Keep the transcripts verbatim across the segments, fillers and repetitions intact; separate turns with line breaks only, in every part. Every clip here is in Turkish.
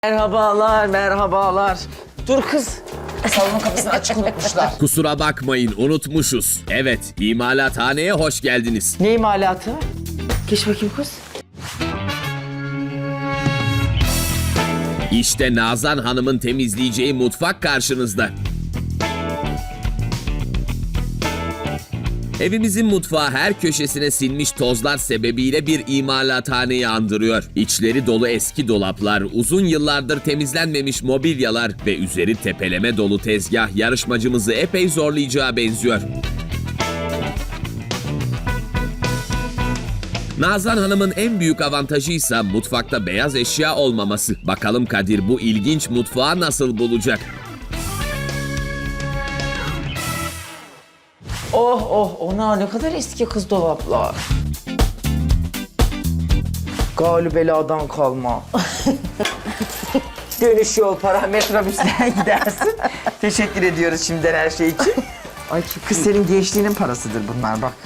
Merhabalar, merhabalar. Dur kız. Salonun kapısını açık unutmuşlar.
Kusura bakmayın unutmuşuz. Evet, imalathaneye hoş geldiniz.
Ne imalatı? Geç bakayım kız.
İşte Nazan Hanım'ın temizleyeceği mutfak karşınızda. Evimizin mutfağı her köşesine sinmiş tozlar sebebiyle bir imalathaneyi andırıyor. İçleri dolu eski dolaplar, uzun yıllardır temizlenmemiş mobilyalar ve üzeri tepeleme dolu tezgah yarışmacımızı epey zorlayacağı benziyor. Nazan Hanım'ın en büyük avantajı ise mutfakta beyaz eşya olmaması. Bakalım Kadir bu ilginç mutfağı nasıl bulacak?
Oh oh, ona ne kadar eski kız dolaplar. Galibeladan kalma. Dönüş yol para, metrobüsten gidersin. Teşekkür ediyoruz şimdiden her şey için. Ay kız senin gençliğinin parasıdır bunlar bak.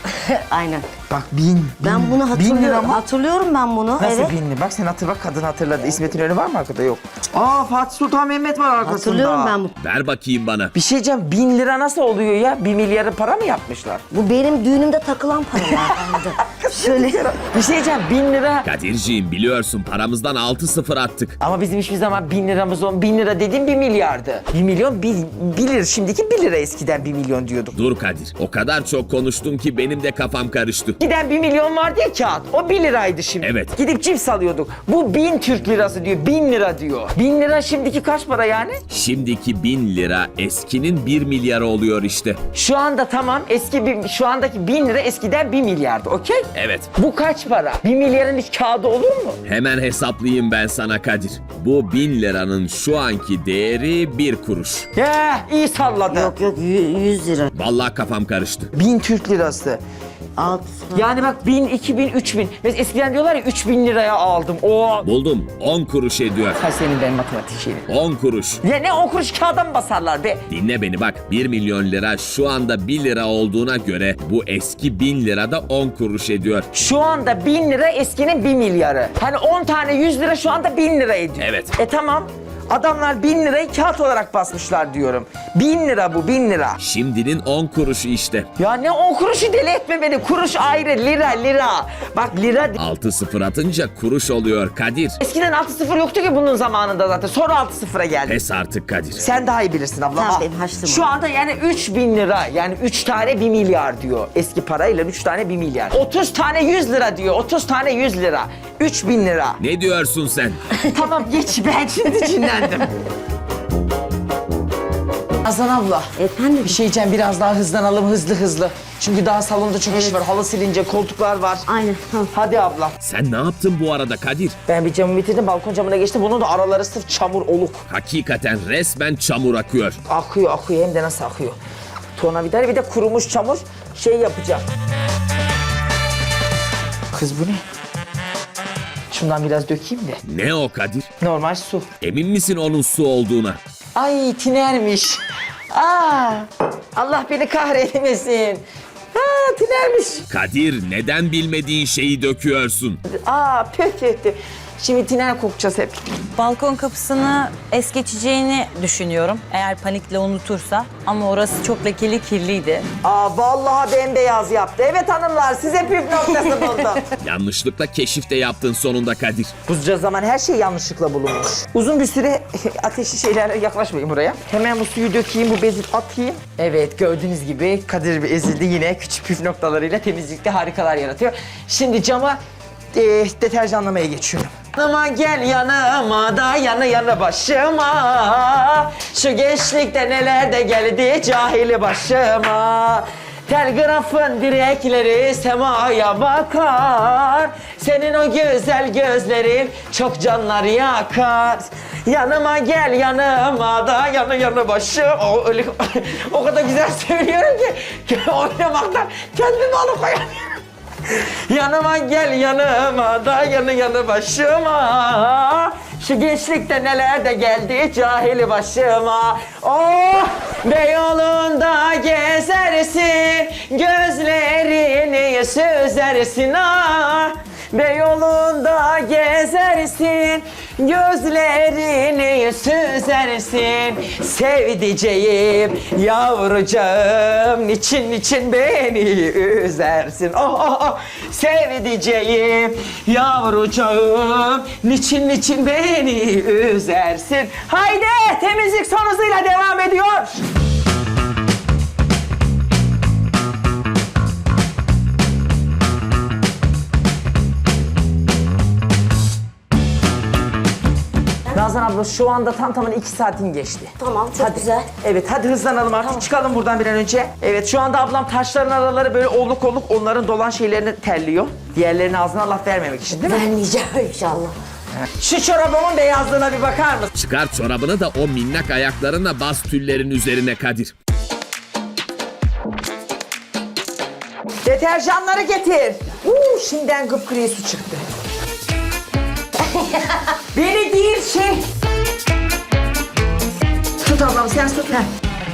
Aynen.
Bak bin.
Ben
bin-
bunu
bin lira
hatırlıyorum.
mı?
Hatırlıyorum ben bunu.
Nasıl
evet.
bin lira? Bak sen hatır bak kadın hatırladı. İsmet İnönü var mı arkada? Yok. Aa Fatih Sultan Mehmet var arkasında.
Hatırlıyorum ben bunu.
Ver bakayım bana.
Bir şey diyeceğim, bin lira nasıl oluyor ya? Bir milyarı para mı yapmışlar?
Bu benim düğünümde takılan paralardandı. Şöyle.
Bir şey diyeceğim, bin lira.
Kadirciğim biliyorsun paramızdan altı sıfır attık.
Ama bizim hiçbir zaman bin liramız on, bin lira dediğim bir milyardı. Bir milyon, bir, bir lira. Şimdiki bir lira, eskiden bir milyon diyorduk.
Dur Kadir, o kadar çok konuştun ki benim de kafam karıştı.
Giden bir milyon vardı ya kağıt, o bir liraydı şimdi.
Evet.
Gidip cips alıyorduk. Bu bin Türk lirası diyor, bin lira diyor. Bin lira şimdiki kaç para yani?
Şimdiki bin lira eskinin bir milyarı oluyor işte.
Şu anda tamam, eski bir, şu andaki bin lira eskiden bir milyardı, okey?
Evet.
Bu kaç para? Bir milyarın hiç kağıdı olur mu?
Hemen hesaplayayım ben sana Kadir. Bu bin liranın şu anki değeri bir kuruş.
Ya iyi salladı.
Yok yok yü- yüz lira.
Vallahi kafam karıştı.
Bin Türk lirası.
Alt.
Yani bak bin, iki bin, üç bin. Mesela eskiden diyorlar ya üç bin liraya aldım. O.
Buldum. on kuruş ediyor.
Ha senin ben matematik şeyini.
on kuruş.
Ya ne on kuruş kağıda mı basarlar be?
Dinle beni bak. bir milyon lira şu anda bir lira olduğuna göre bu eski bin lira da on kuruş ediyor.
Şu anda bin lira eskinin bir milyarı. Hani on tane yüz lira şu anda bin lira ediyor.
Evet.
E tamam. Adamlar bin lirayı kağıt olarak basmışlar diyorum. Bin lira bu, bin lira.
Şimdinin on kuruşu işte.
Ya ne on kuruşu deli etme beni. Kuruş ayrı, lira, lira. Bak lira.
altı sıfır atınca kuruş oluyor Kadir.
Eskiden altı sıfır yoktu ki bunun zamanında zaten. Sonra altı sıfıra geldi.
Pes artık Kadir.
Sen daha iyi bilirsin abla.
Sen
Al.
benim haçlım
Şu
ol.
anda yani üç bin lira. Yani üç tane bir milyar diyor. Eski parayla üç tane bir milyar. otuz tane yüz lira diyor. otuz tane yüz lira. üç bin lira.
Ne diyorsun sen?
Tamam geç, ben şimdi cinlendim. Azan abla.
Efendim?
Bir şey diyeceğim, biraz daha hızlanalım, hızlı hızlı. Çünkü daha salonda çok iş var. Halı silince, koltuklar var.
Aynen. Tamam.
Hadi abla.
Sen ne yaptın bu arada Kadir?
Ben bir camı bitirdim, balkon camına geçtim. Bunun da araları sırf çamur, oluk.
Hakikaten resmen çamur akıyor.
Akıyor, akıyor. Hem de nasıl akıyor. Tornavida, bir de kurumuş çamur şey yapacağım. Kız bu ne? Şundan biraz dökeyim de.
Ne o Kadir?
Normal su.
Emin misin onun su olduğuna?
Ay tinermiş. Aa, Allah beni kahretmesin. Aa tinermiş.
Kadir neden bilmediğin şeyi döküyorsun?
Aa pöh pöh pöh. Şimdi tiner kokacağız hep.
Balkon kapısını es geçeceğini düşünüyorum. Eğer panikle unutursa. Ama orası çok lekeli, kirliydi.
Aa vallahi bembeyaz yaptı. Evet hanımlar, size püf noktası buldum.
Yanlışlıkla keşif de yaptın sonunda Kadir.
Bunca zaman her şey yanlışlıkla bulunmuş. Uzun bir süre ateşli şeylerle yaklaşmayın buraya. Hemen bu suyu dökeyim, bu bezi atayım. Evet, gördüğünüz gibi Kadir Bey ezildi, yine küçük püf noktalarıyla temizlikte harikalar yaratıyor. Şimdi cama e, deterjanlamaya geçiyorum. Yanıma gel yanıma da yanı yanı başıma. Şu gençlikte neler de geldi cahili başıma. Telgrafın direkleri semaya bakar. Senin o güzel gözlerin çok canlar yakar. Yanıma gel yanıma da yanı yanı başım. O, öyle, o kadar güzel söylüyorum ki oynamaktan kendimi alıkoyamıyorum. Yanıma gel yanıma da yanı yanı başıma. Şu gençlikte neler de geldi cahili başıma. Oh Beyoğlu'nda gezersin, gözlerini süzersin ah. Beyoğlu'nda gezersin, Gözlerini süzersin sevdiceğim yavrucağım, niçin niçin beni üzersin. Oh oh oh sevdiceğim yavrucağım, niçin niçin beni üzersin. Haydi temizlik son hızıyla devam ediyor. Nazan abla şu anda tam tamına iki saatin geçti.
Tamam, çok
Hadi.
güzel.
Evet hadi hızlanalım artık, çıkalım buradan bir an önce. Evet şu anda ablam taşların araları böyle olluk olluk onların dolan şeylerini terliyor. Diğerlerinin ağzına laf vermemek için değil mi?
Vermeyeceğim inşallah.
Şu çorabımın beyazlığına bir bakar mısın?
Çıkar çorabını da o minnak ayaklarına bas tüllerin üzerine Kadir.
Deterjanları getir. Uuu şimdiden gıpgri su çıktı. Beni değil şey. Tut ablam sen tut. Heh.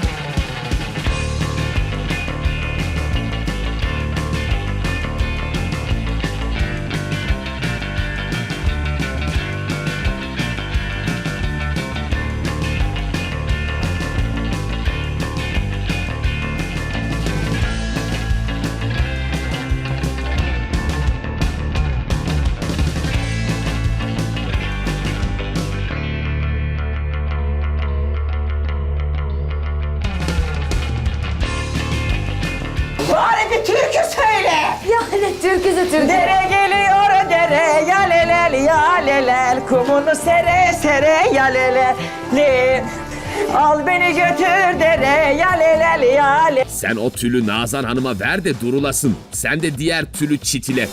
Bari bir türkü söyle.
Yani türküsü türkü.
Dere geliyor dere yalelel yalelel, kumunu sere sere yalelel li. Al beni götür dere yalelel yalelel.
Sen o tülü Nazan Hanım'a ver de durulasın. Sen de diğer tülü çitile.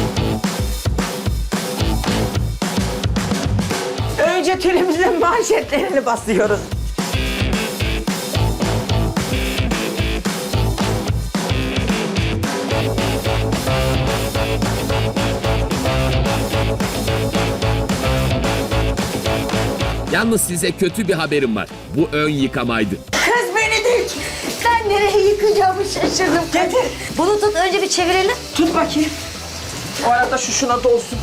Önce tülümüzün manşetlerini basıyoruz.
Yalnız size kötü bir haberim var. Bu ön yıkamaydı.
Kız beni dik.
Ben nereye yıkayacağımı şaşırdım.
Getir.
Bunu tut, önce bir çevirelim.
Tut bakayım. O arada şu şuna dolsun.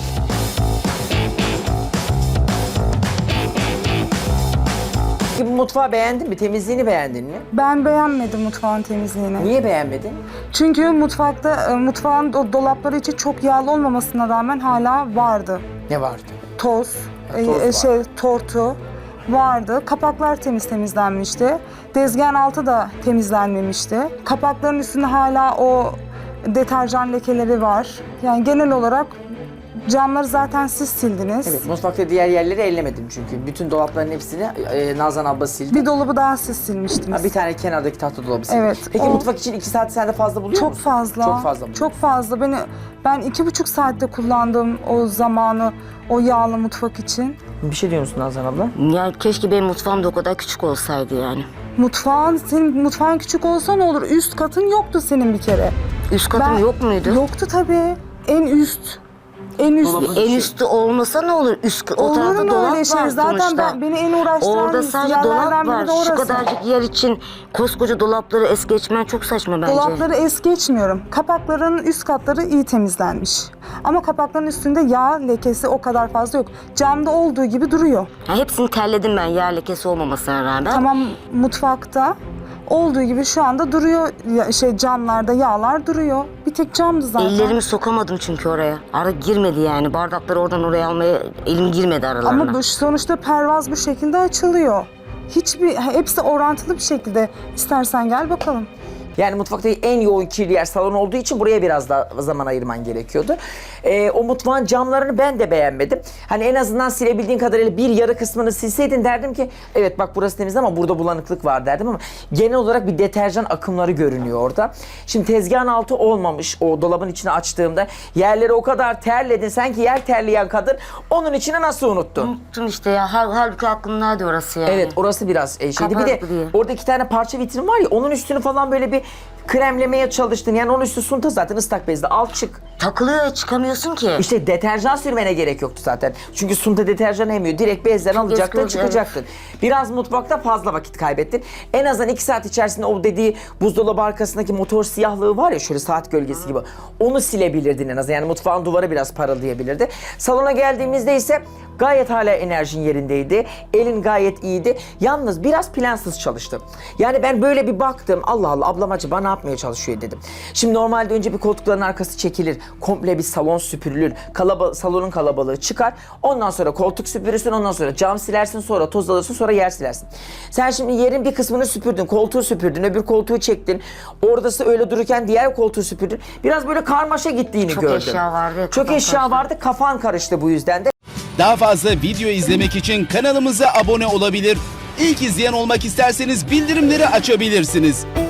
Bu mutfağı beğendin mi? Temizliğini beğendin mi?
Ben beğenmedim mutfağın temizliğini.
Niye beğenmedin?
Çünkü mutfakta e, mutfağın do- dolapları içi çok yağlı olmamasına rağmen hala vardı.
Ne vardı?
Toz, e,
toz
e,
var.
şey tortu vardı. Kapaklar temiz temizlenmişti. Tezgahın altı da temizlenmemişti. Kapakların üstünde hala o deterjan lekeleri var. Yani genel olarak camları zaten siz sildiniz.
Evet, mutfakta diğer yerleri ellemedim çünkü. Bütün dolapların hepsini e, Nazan abla sildi.
Bir dolabı daha siz silmiştiniz.
Ha, bir tane kenardaki tahta dolabı sildi.
Evet,
Peki
o-
mutfak için iki saat sen de fazla buluyor
Çok
musun?
fazla.
Çok fazla mı?
Çok fazla. Beni ben iki buçuk saatte kullandım o zamanı o yağlı mutfak için.
Bir şey diyor musun Nazan abla?
Ya keşke benim mutfağım da o kadar küçük olsaydı yani.
Mutfağın senin mutfağın küçük olsa ne olur? Üst katın yoktu senin bir kere.
Üst katım
Ben-
yok muydu?
Yoktu tabii. En üst. En üst.
En üstü olmasa ne olur? Üst o
Olur
tarafta
mu
dolap
öyle şey?
var
Zaten
sonuçta.
ben- beni en uğraştıran
Orada sadece
yerlerden
dolap
biri
var.
de
Şu
orası.
kadarcık yer için koskoca dolapları es geçmen çok saçma bence.
Dolapları es geçmiyorum. Kapakların üst katları iyi temizlenmiş. Ama kapakların üstünde yağ lekesi o kadar fazla yok. Camda olduğu gibi duruyor.
Ya hepsini terledim ben yer lekesi olmamasına rağmen.
Tamam, mutfakta olduğu gibi şu anda duruyor, ya- şey camlarda yağlar duruyor. Bir tek camdı zaten.
Ellerimi sokamadım çünkü oraya. Ara girmedi yani. Bardakları oradan oraya almaya elim girmedi aralarına.
Ama bu sonuçta pervaz bu şekilde açılıyor. Hiçbir, hepsi orantılı bir şekilde. İstersen gel bakalım.
Yani mutfaktaki en yoğun kirli yer salon olduğu için buraya biraz daha zaman ayırman gerekiyordu. Ee, o mutfağın camlarını ben de beğenmedim. Hani en azından silebildiğin kadarıyla bir yarı kısmını silseydin derdim ki evet bak burası temiz ama burada bulanıklık var derdim ama genel olarak bir deterjan akımları görünüyor orada. Şimdi tezgahın altı olmamış o dolabın içine açtığımda yerleri o kadar terledin sanki yer terleyen kadın onun içine nasıl unuttun?
Unuttum işte ya. Hal, halbuki aklımdaydı orası yani.
Evet orası biraz e, şeydi. Bir de
Kapaklı diye.
orada iki tane parça vitrin var ya onun üstünü falan böyle bir Kremlemeye çalıştın. Yani onun üstü sunta zaten ıslak bezle al çık.
Takılıyor, çıkamıyorsun ki.
İşte deterjan sürmene gerek yoktu zaten. Çünkü sunta deterjan emiyor. Direkt bezden alacaktın,
eski oldu,
çıkacaktın. Biraz mutfakta fazla vakit kaybettin. En azından iki saat içerisinde o dediği buzdolabı arkasındaki motor siyahlığı var ya, şöyle saat gölgesi gibi. Onu silebilirdin en azından. Yani mutfağın duvarı biraz parıldayabilirdi. Salona geldiğimizde ise gayet hala enerjin yerindeydi. Elin gayet iyiydi. Yalnız biraz plansız çalıştım. Yani ben böyle bir baktım. Allah Allah, ablam acaba ne yapmaya çalışıyor dedim. Şimdi normalde önce bir koltukların arkası çekilir. Komple bir salon süpürülür. Kalaba salonun kalabalığı çıkar. Ondan sonra koltuk süpürürsün. Ondan sonra cam silersin. Sonra toz alırsın. Sonra yer silersin. Sen şimdi yerin bir kısmını süpürdün. Koltuğu süpürdün. Öbür koltuğu çektin. Oradası öyle dururken diğer koltuğu süpürdün. Biraz böyle karmaşa gittiğini
Çok
gördüm.
eşya vardı,
Çok
kafam
eşya
karıştı.
vardı. Kafan karıştı bu yüzden de.
Daha fazla video izlemek için kanalımıza abone olabilir. İlk izleyen olmak isterseniz bildirimleri açabilirsiniz.